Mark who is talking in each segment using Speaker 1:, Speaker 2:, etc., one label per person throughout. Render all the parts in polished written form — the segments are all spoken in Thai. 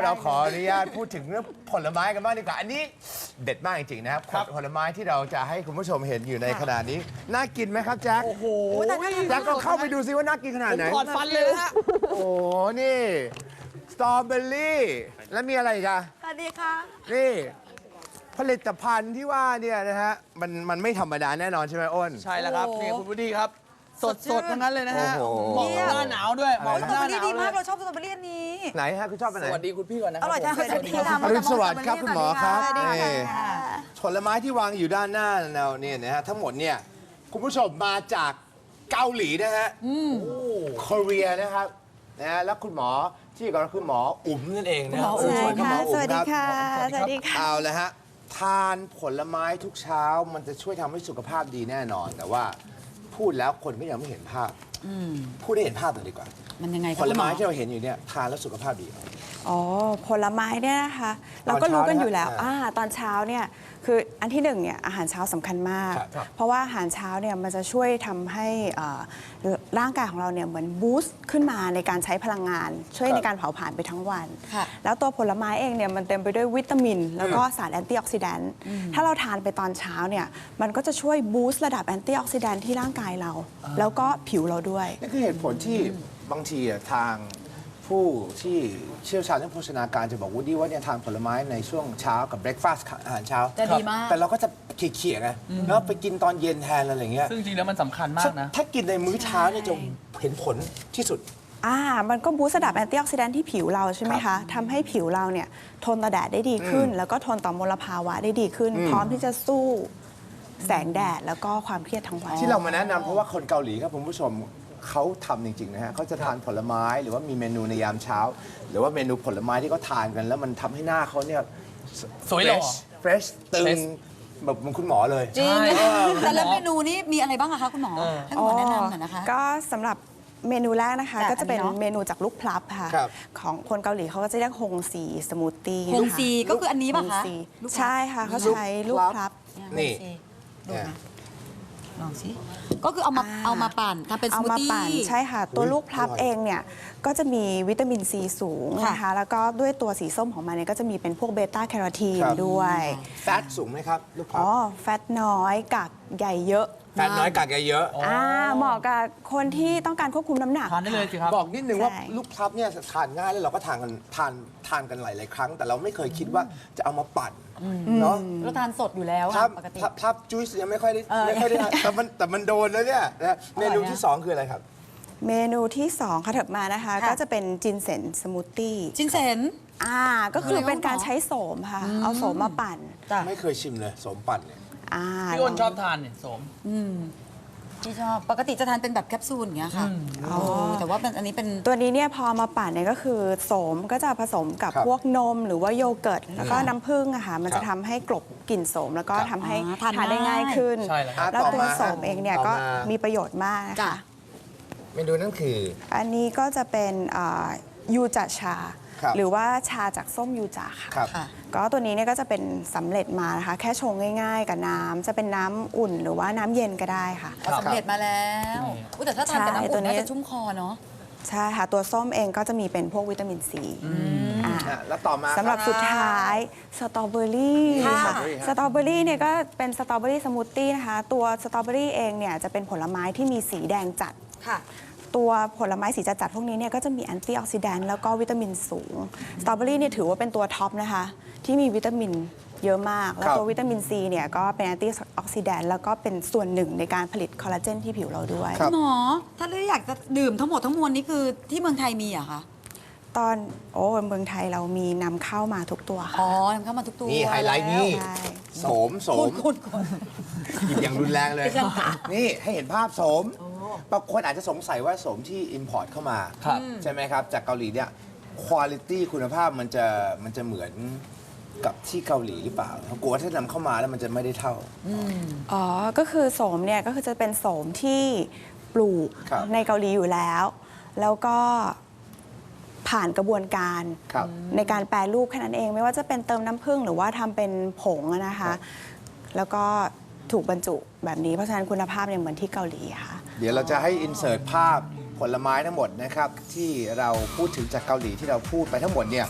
Speaker 1: เราขออนุญาตพูดถึงเรื่องผลไม้กันบ้างดีกว่าอันนี้เด็ดมากจริงๆนะครับผลไม้ที่เราจะให้คุณผู้ชมเห็นอยู่ในขณะนี้น่ากินไหมครับแจ็คโอ้โหแจ็คก็เข้าไปดูซิว่าน่ากินขนาดไหน
Speaker 2: ถอดฟันเลยฮะ
Speaker 1: โอ้นี่สตรอเบอรี่แล้วมีอะไรอีกอะ
Speaker 3: สวัสดีค่ะ
Speaker 1: นี่ผลิตภัณฑ์ที่ว่าเนี่ยนะฮะมันไม่ธรรมดาแน่นอนใช่ไหมอ้น
Speaker 2: ใช่แล้วครับ
Speaker 3: โอ้โห
Speaker 2: นี่คุณวุฒิครับ สดๆทั้งนั้นเลยนะฮะ
Speaker 1: โอ้โห
Speaker 2: เหมาะกับหน้าหนาวด้วยเหมาะ
Speaker 3: ส
Speaker 2: กับ
Speaker 3: ตร
Speaker 2: ห
Speaker 3: อ
Speaker 2: น้า
Speaker 3: เบอ
Speaker 2: หนาวเล
Speaker 3: รี่ดีมาก
Speaker 2: ย
Speaker 3: เราชอบสตรอเบอรี่อันนี้
Speaker 1: ไหนฮะคุณชอบอันไหน
Speaker 2: สวัสดีคุณพี่ก่อนนะค
Speaker 3: อ
Speaker 2: รับ
Speaker 3: ร่อยจัง
Speaker 2: ผม
Speaker 3: เลยที่ทำ
Speaker 1: อรุณสวัสดิ์ครับคุณหมอครับ
Speaker 3: สวัสดี
Speaker 1: นี่
Speaker 3: ค่ะ
Speaker 1: ผลไม้ที่วางอยู่ด้านหน้าเราเนี่ยนะฮะทั้งหมดเนี่ยคุณผู้ชมมาจากเกาหลีนะฮะเกาหลีนะครับนะฮะแล้วคุณหมอที่อยู่กับเราคือหมออุ๋มนั่นเองนะฮะ
Speaker 3: ใช่ค่ะ
Speaker 1: หมอ
Speaker 3: ส
Speaker 1: อุ๋ม
Speaker 3: วัสดี
Speaker 1: รับ
Speaker 3: ค่ะ สวัสดีค่ะ
Speaker 1: เอาละฮะทานผลไม้ทุกเช้ามันจะช่วยทำให้สุขภาพดีแน่นอน แต่ว่าพูดแล้วคนก็ยังไม่เห็นภาพพูดให้เห็นภาพหน่อยดีกว่า
Speaker 3: มันยังไง
Speaker 1: ผลไม้ที่เราเห็นอยู่เนี่ยทานแล้วสุขภาพดี
Speaker 4: อ๋อผลไม้เนี่ยนะคะเราก็รู้กันอยู่แล้ว
Speaker 1: ตอนเช้านะฮะ
Speaker 4: ตอนเช้าเนี่ยคืออันที่หนึ่งเนี่ยอาหารเช้าสำคัญมาก
Speaker 1: ครับ
Speaker 4: เพราะว่าอาหารเช้าเนี่ยมันจะช่วยทำให้ร่างกายของเราเนี่ยเหมือนบูสต์ขึ้นมาในการใช้พลังงาน ช่วยในการเผาผลาญไปทั้งวัน
Speaker 3: ค่ะ
Speaker 4: แล้วตัวผลไม้เองเนี่ยมันเต็มไปด้วยวิตามิน แล้วก็สารแอนตี้ออกซิแดนต์ถ้าเราทานไปตอนเช้าเนี่ยมันก็จะช่วยบูสต์ระดับแอนตี้ออกซิแดนต์ที่ร่างกายเรา แล้วก็ผิวเราด้วย
Speaker 1: นี่คือเหตุผลที่บางทีทางผู้ที่เชี่ยวชาญเรื่องโภชนาการจะบอกว่าดีว่าเนี่ยทานผลไม้ในช่วงเช้ากับเบรคฟาสต์อาหารเช้า
Speaker 3: จะดีมาก
Speaker 1: แต่เราก็จะเขี่ยๆไงแล้วไปกินตอนเย็นแทนอะไรอย่างเงี้ย
Speaker 2: ซึ่งจริงแล้วมันสำคัญมากนะ
Speaker 1: ถ้ากินในมื้อเช้าเนี่ยจะเห็นผลที่สุด
Speaker 4: มันก็บูสต์ระดับแอนตี้ออกซิแดนต์ที่ผิวเราใช่ไหมคะทำให้ผิวเราเนี่ยทนต่อแดดได้ดีขึ้น แล้วก็ทนต่อมลภาวะได้ดีขึ้น พร้อมที่จะสู้แสงแดดแล้วก็ความเครียดทั้งวัน
Speaker 1: ที่เรามาแนะนำเพราะว่าคนเกาหลีครับคุณผู้ชมเขาทำจริงๆนะฮะเขาจะทานผลไม้หรือว่ามีเมนูในยามเช้า หรือว่าเมนูผลไม้ที่เขาทานกัน แล้วมันทำให้หน้าเขาเนี่ย
Speaker 2: สวยหล่อ
Speaker 1: fresh ตึง
Speaker 2: Fresh
Speaker 1: แบบเหมือนคุณหมอเลย
Speaker 3: จริง
Speaker 2: ใช่
Speaker 3: แต่ละเมนูนี้มีอะไรบ้างอะคะคุณหมอ ให้คุณหมอแนะนำหน่อยนะคะ
Speaker 4: ก็สำหรับเมนูแรกนะคะ
Speaker 3: จ้ะ
Speaker 4: ก็จะเป็น
Speaker 3: อันนี้เนอะ
Speaker 4: เมนูจากลูกพลับค่ะ
Speaker 1: ครับ
Speaker 4: ของคนเกาหลีเขาก็จะเรียกฮงซีสมูทตี้
Speaker 3: ฮงซีก็คืออันนี้ป่ะคะ
Speaker 4: ฮงซีใช่ค่ะเขาใช้ลูกพลับ
Speaker 1: นี่
Speaker 3: ดูนะลองสิก็คือเอามาปั่นทำเป็นส
Speaker 4: เอา
Speaker 3: มูท
Speaker 4: มา
Speaker 3: ตี้
Speaker 4: ปั่นใช่ค่ะ ตัวลูกพลับ
Speaker 1: อร่อย
Speaker 4: เองเนี่ยก็จะมีวิตามินซีสูง
Speaker 3: ค่ะ
Speaker 4: นะคะแล้วก็ด้วยตัวสีส้มของมันเนี่ยก็จะมีเป็นพวกเบต้าแคโรทีน
Speaker 1: ครับ
Speaker 4: ด้วย
Speaker 1: แฟตสูงไหมครับลูกค้า
Speaker 4: อ๋อแฟตน้อยกากใหญ่เยอะ
Speaker 1: แฟตน้อยกากเยอะ
Speaker 4: เหมาะกับคนที่ต้องการควบคุมน้ำหนัก
Speaker 2: ทานได้เลยสิครับ
Speaker 1: บอกนิดนึงว่า
Speaker 4: ใช่
Speaker 1: ลูกพลับเนี่ยทานง่ายแล้วเราก็ทานกันหลายๆครั้ง แต่เราไม่เคยคิดว่าจะเอามาปั่นเนาะ
Speaker 3: เราทานสดอยู่แล้ว
Speaker 1: พลั
Speaker 3: อะ
Speaker 1: บ
Speaker 3: ปกติ
Speaker 1: พลับจุ๊ยส์ยังไม่ค่อยได้ทานแต่มันโดนแล้วเนี่ยนะเมนูที่ 2 คืออะไรครับ
Speaker 4: เมนูที่ 2ค่ะถัดมานะคะ
Speaker 3: ค่ะ
Speaker 4: ก็จะเป็นจินเซนสมูทตี้
Speaker 3: จินเซน
Speaker 4: ก็คือเป็นการ
Speaker 3: อะไรวะ
Speaker 4: ใช้โสมค่ะ เอาโสมมาปั่น
Speaker 3: จ้ะ
Speaker 1: ไม่เคยชิมเลยสมปั่นเนี่ย
Speaker 2: พี่อ้นชอบทานเนี่ยสม
Speaker 3: ที่ชอบปกติจะทานเป็นแบบแคปซูลอย่างเงี้ยค่ะแต่ว่าเป็นอันนี้เป็น
Speaker 4: ตัวนี้เนี่ยพอมาปั่นเนี่ยก็คือโสมก็จะผสมกับ
Speaker 1: ครับ
Speaker 4: พวกนมหรือว่าโยเกิร์ตแล้วก็น้ำผึ้งอะค่ะมัน
Speaker 1: ครั
Speaker 4: จะ
Speaker 1: บ
Speaker 4: ทำให้กลบกลิ่นโสมแล้วก็
Speaker 1: ครับ
Speaker 4: ทำให้
Speaker 3: ทาน
Speaker 4: ทานได้ง่ายขึ้น
Speaker 2: ใช่แล้วครับ
Speaker 4: แล้ว
Speaker 1: ต่อ
Speaker 4: ตัว
Speaker 1: มา
Speaker 4: โสมเองเนี่ย
Speaker 1: ต่อ
Speaker 4: ก็
Speaker 1: มา
Speaker 4: มีประโยชน์มากนะ
Speaker 3: จ้ะ
Speaker 4: คะ
Speaker 1: เมนูนั่นคือ
Speaker 4: อันนี้ก็จะเป็นยูจาชา
Speaker 1: ครับ
Speaker 4: หรือว่าชาจากส้มยูจาค่ะ
Speaker 1: ครับ
Speaker 3: ค่ะ
Speaker 4: ก็ตัวนี้เนี่ยก็จะเป็นสำเร็จมานะคะ แค่ชงง่ายๆ กับน้ำจะเป็นน้ำอุ่นหรือว่าน้ำเย็นก็ได้ค่ะ
Speaker 3: เอาสำเร็จมาแล้วอุ๊ยแต่ถ้าทานกับน้ำ
Speaker 4: ใช่
Speaker 3: อุ่
Speaker 4: ตัวน นี้
Speaker 3: น่าจะชุ่มคอเนาะ
Speaker 4: ใช่ค่ะ ตัวส้มเองก็จะมีเป็นพวกวิตามินซีอ่า
Speaker 1: แล้วต่อมา
Speaker 4: สำหรับสุดท้ายสตรอเบอรี่
Speaker 3: ค่ะ
Speaker 4: ค่ะสตรอเบอรี่เนี่ยก็เป็นสตรอเบอรี่สมูทตี้นะคะ ตัวสตรอเบอรี่เองเนี่ยจะเป็นผลไม้ที่มีสีแดงจัด
Speaker 3: ค่ะ
Speaker 4: ตัวผลไม้สีจัดๆพวกนี้เนี่ยก็จะมีแอนตี้ออกซิแดนต์แล้วก็วิตามินสูง สตรอเบอรี่เนี่ยถือว่าเป็นตัวท็อปนะคะ ที่มีวิตามินเยอะมาก แล้วตัววิตามินซีเนี่ยก็เป็นแอนตี้ออกซิแดนต์แล้วก็เป็นส่วนหนึ่งในการผลิตคอลลาเจนที่ผิวเราด้วย
Speaker 1: ครับ
Speaker 3: หมอ ถ้าเราอยากจะดื่มทั้งหมดทั้งมวลนี้คือที่เมืองไทยมีเหรอะคะ
Speaker 4: ตอนเมืองไทยเรามีนำเข้ามาทุกตัวค่ะ
Speaker 3: อ๋อนำเข้ามาทุกตัว
Speaker 1: นี่ไฮไลท์นี่
Speaker 4: ใช่
Speaker 1: โสม
Speaker 3: คุณ
Speaker 1: หยิบอย่างรุนแรงเลย
Speaker 3: ดิฉันค่ะ
Speaker 1: นี่ให้เห็นภาพโสมบางคนอาจจะสงสัยว่าโสมที่ import เข้ามา
Speaker 2: ครับ
Speaker 1: ใช่ไหมครับ จากเกาหลีเนี่ยคุณคุณภาพมันจะเหมือนกับที่เกาหลีหรือเปล่าเขากลัวว่าถ้านำเข้ามาแล้วมันจะไม่ได้เท่า
Speaker 4: ก็คือโสมเนี่ยก็คือจะเป็นโสมที่ปลูก
Speaker 1: ครับ
Speaker 4: ในเกาหลีอยู่แล้ว แล้วก็ผ่านกระบวนการ
Speaker 1: ครับ
Speaker 4: ในการแปรรูปแค่นั้นเอง ไม่ว่าจะเป็นเติมน้ำผึ้งหรือว่าทำเป็นผงอะนะคะ แล้วก็ถูกบรรจุแบบนี้เพราะฉะนั้นคุณภาพเนี่ยเหมือนที่เกาหลีค่ะ
Speaker 1: เดี๋ยวเราจะให้อินเสิร์ตภาพผลไม้ทั้งหมดนะครับ ที่เราพูดถึงจากเกาหลีที่เราพูดไปทั้งหมดเนี่ย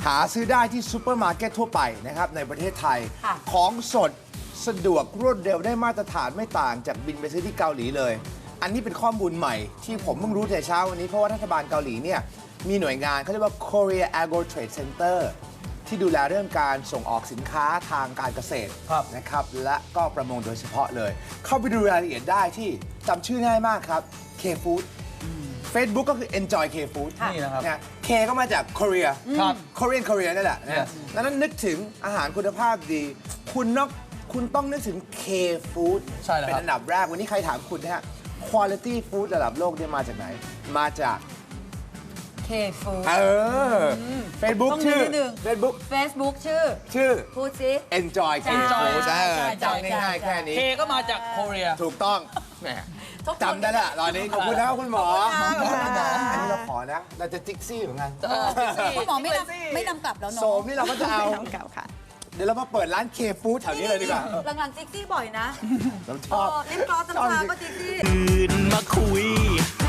Speaker 1: หาซื้อได้ที่ซูเปอร์มาร์เก็ตทั่วไปนะครับในประเทศไทย
Speaker 3: ค่ะ
Speaker 1: ของสดสะดวกรวดเร็วได้มาตรฐานไม่ต่างจากบินไปซื้อที่เกาหลีเลย อันนี้เป็นข้อมูลใหม่ที่ผมเพิ่งรู้แต่เช้าวันนี้เพราะว่ารัฐบาลเกาหลีเนี่ยมีหน่วยงานเขาเรียกว่า Korea Agro Trade Center ที่ดูแลเรื่องการส่งออกสินค้าทางการเกษตร
Speaker 2: ครับ
Speaker 1: นะครับและก็ประมงโดยเฉพาะเลย เข้าไปดูรายละเอียดได้ที่จำชื่อง่ายมากครับ K Food Facebook ก็คือ Enjoy K Food
Speaker 2: นี่นะครับ
Speaker 1: นะ K ก็มาจาก Korea
Speaker 2: ครับ
Speaker 1: Korea นั่นแหละนะ
Speaker 2: Yes
Speaker 1: ดังนั้นนึกถึงอาหารคุณภาพดี คุณต้องนึกถึง K Food
Speaker 2: ใช่แล้วครับ
Speaker 1: เป็นอันดับแรกวันนี้ใครถามคุณนะฮะ Quality Food ระดับโลกเนี่ยมาจากไหน มาจาก
Speaker 3: เคฟูด
Speaker 1: Facebook
Speaker 3: ต้อง
Speaker 1: ชื่อ
Speaker 3: นิดนึง
Speaker 1: Facebook
Speaker 3: Facebook ชื่อ
Speaker 1: ชื่อ
Speaker 3: พูดสิ
Speaker 1: Enjoy K
Speaker 3: Enjoy
Speaker 1: Food
Speaker 3: ใช่
Speaker 1: จำง่ายๆแค่นี้
Speaker 2: เคก็มาจากโคเรีย
Speaker 1: ถูกต้องแหมจำได้ละตอนนี้ขอบคุณนะครับคุณหมอ
Speaker 3: ขอบคุณค่ะ
Speaker 1: อันนี้เราขอนะ เราจะจิกซี่เหมือนกัน
Speaker 3: คุณหมอไม่นำกลับแล้วเนาะ
Speaker 1: โสมนี่เราก็จะเอา
Speaker 4: น้ำเก่าค่ะ
Speaker 1: เดี๋ยวเรามาเปิดร้านเคฟู้ดแถวนี้เลยดีกว่า
Speaker 3: หลังๆจิ๊กซี่บ่อยนะ
Speaker 1: เราชอบ
Speaker 3: ลิปกลอสน้ำชาก็จิ๊กซี่
Speaker 5: ตื่นมาคุย